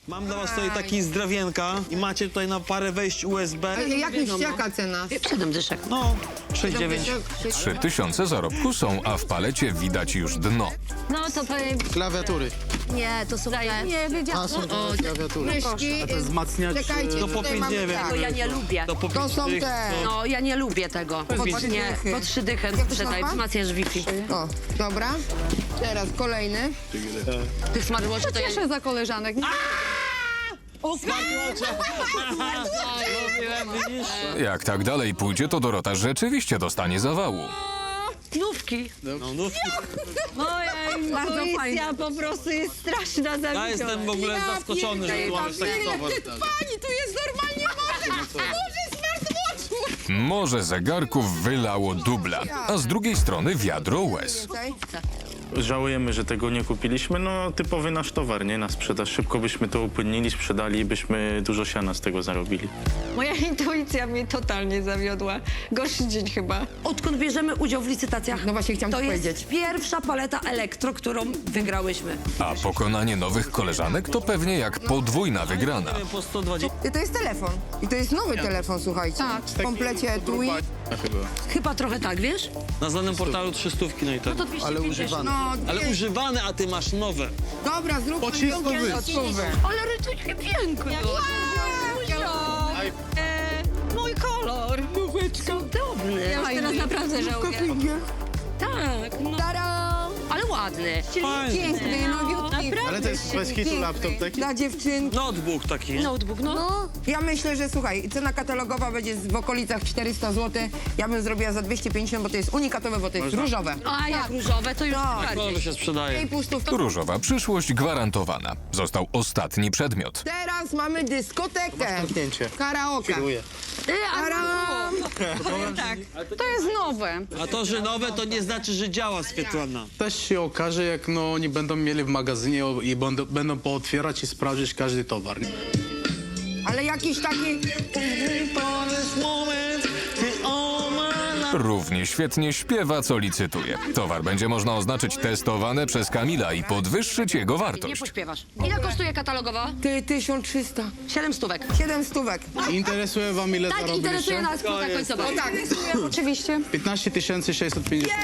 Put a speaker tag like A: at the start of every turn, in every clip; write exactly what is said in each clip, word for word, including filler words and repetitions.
A: Mam dla was tutaj taki zdrawienka i macie tutaj na parę wejść U S B.
B: Jak myślicie, jaka cena?
C: Siedem dyszek.
A: No, sześć dziewięć.
D: Trzy tysiące zarobku są, a w palecie widać już dno.
C: No to powiem...
E: Klawiatury.
C: Nie, to są...
B: Nie, wiedziałam.
E: A są te klawiatury.
B: Myszki,
E: To jest wzmacniacz.
B: czekajcie,
A: To po
B: tutaj
A: pięć
B: mamy
A: dziewięć.
B: tak.
C: Bo ja nie lubię.
A: To po
B: To
A: pięć
B: są
A: tych,
B: te.
A: no.
C: No, ja nie lubię tego.
B: Po trzy
C: Nie,
B: dychy.
C: po trzy dychy
B: Jak to
C: sprzedaj,
B: nazwa?
C: wzmacniasz Wi-Fi.
B: O, dobra. Teraz kolejny.
C: Tych smartwatchy to ja...
F: Cieszę za koleżanek.
D: Jak tak dalej pójdzie, to Dorota rzeczywiście dostanie zawału.
C: Nówki.
A: No, no.
F: Ojej,
B: Bardzo
F: intuicja po prostu jest straszna,
A: Ja
F: zawidziona.
A: jestem w ogóle zaskoczony, że tu mamy taki towar.
B: Pani, tu jest normalnie morze! Morze smartwatchu!
D: Morze zegarków wylało dubla, a z drugiej strony wiadro łez.
B: Tutaj.
G: Żałujemy, że tego nie kupiliśmy. No, typowy nasz towar, nie? Na sprzedaż. Szybko byśmy to upłynnili, sprzedali i byśmy dużo siana z tego zarobili.
F: Moja intuicja mnie totalnie zawiodła. Gorszy dzień chyba.
C: Odkąd bierzemy udział w licytacjach,
B: No właśnie chciałam
C: to
B: to
C: jest
B: powiedzieć.
C: pierwsza paleta elektro, którą wygrałyśmy.
D: A pokonanie nowych koleżanek to pewnie jak podwójna wygrana.
A: Po sto dwadzieścia.
B: I to jest telefon. I to jest nowy telefon, słuchajcie.
F: Tak.
B: W komplecie etui.
E: Chyba.
C: Chyba trochę tak, wiesz?
A: Na znanym portalu trzystówki, no i tak.
C: To dwieście
E: Ale
C: pięćdziesiąt.
E: używany.
B: No,
A: Ale
B: dwie-
A: używane, a ty masz nowe.
B: Dobra, zróbmy
E: Po trzysta
B: piątkę
E: wy.
B: złotówkę.
C: Ale rytuj pięknie.
F: E, mój kolor.
C: Cudowny.
F: Ja już teraz naprawdę żałuję. Tak, no.
B: Tada!
C: Ale ładny.
A: Fajnie.
B: Piękny, nowiutki.
E: Ale to jest bez hitu laptop taki.
B: Dla dziewczynki.
A: Notebook taki.
C: Notebook, no.
B: No, ja myślę, że słuchaj, cena katalogowa będzie w okolicach czterysta złotych. Ja bym zrobiła za dwieście pięćdziesiąt, bo to jest unikatowe, bo to jest różowe.
C: A jak różowe, to już
B: Tak.
C: bardziej.
A: Kolor się sprzedaje.
B: I pustów.
D: Różowa przyszłość gwarantowana. Został ostatni przedmiot.
B: Teraz mamy dyskotekę.
E: Zamknięcie.
B: Karaoke.
E: Kieruję.
C: Ty, a
B: Taram!
F: Tak, to jest nowe.
A: A to, że nowe, to nie znaczy, że działa Swietłana.
H: Też się okaże, jak no, oni będą mieli w magazynie i będą, będą pootwierać i sprawdzić każdy towar. Nie?
B: Ale jakiś taki...
D: Równie świetnie śpiewa, co licytuje. Towar będzie można oznaczyć testowane przez Kamila i podwyższyć jego
C: nie
D: wartość.
C: pośpiewasz. Ile kosztuje katalogowa?
B: Ty, tysiąc trzysta.
C: Siedem stówek.
B: Siedem stówek.
H: Interesuje wam, ile
C: Tak, interesuje
H: zarobiliście?
C: nas kwota końcowa.
B: O tak.
F: Oczywiście.
H: piętnaście tysięcy sześćset pięćdziesiąt.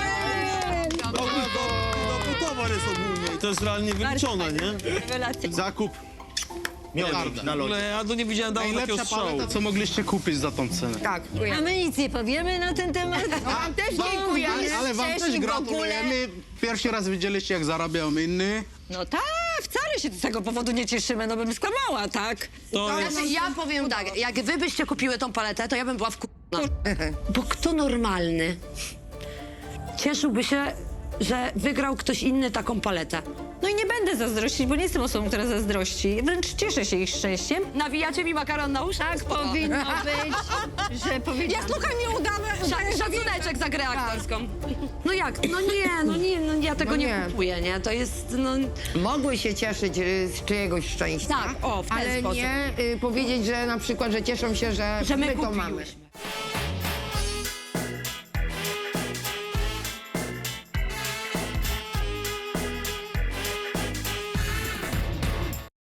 A: To towar jest ogólnie i to jest realnie wyliczone, nie?
F: Rewelacja.
E: Zakup. Miodnik na
A: W
E: lodzie.
A: ogóle ja tu nie widziałem dawno takiego
H: Najlepsza
A: strzału.
H: paleta, co mogliście kupić za tą cenę.
B: Tak.
F: A my nic nie powiemy na ten temat.
B: Wam też dziękujemy.
H: Ale, ale wam też
F: Wcześniej w
H: gratulujemy. Pierwszy raz widzieliście, jak zarabiał inny.
F: No tak, wcale się z tego powodu nie cieszymy, no bym skłamała, tak?
A: To jest...
C: Znaczy, ja powiem tak, jak wy byście kupiły tą paletę, to ja bym była w Bo kto normalny cieszyłby się, że wygrał ktoś inny taką paletę?
F: No i nie będę zazdrościć, bo nie jestem osobą, która zazdrości. Wręcz cieszę się ich szczęściem.
C: Nawijacie mi makaron na uszach?
F: Tak powinno być, że powinno...
C: Ja słuchaj, nie udamy. Szacuneczek za grę aktorską. No jak? No nie, no nie, no ja tego
B: No
C: nie.
B: nie.
C: kupuję, nie? To jest, no...
B: Mogły się cieszyć y, z czyjegoś szczęścia.
C: Tak, o, w ten
B: ale
C: sposób.
B: nie y, powiedzieć, że na przykład, że cieszą się, że,
C: Że my
B: to
C: kupiłyśmy.
B: mamy.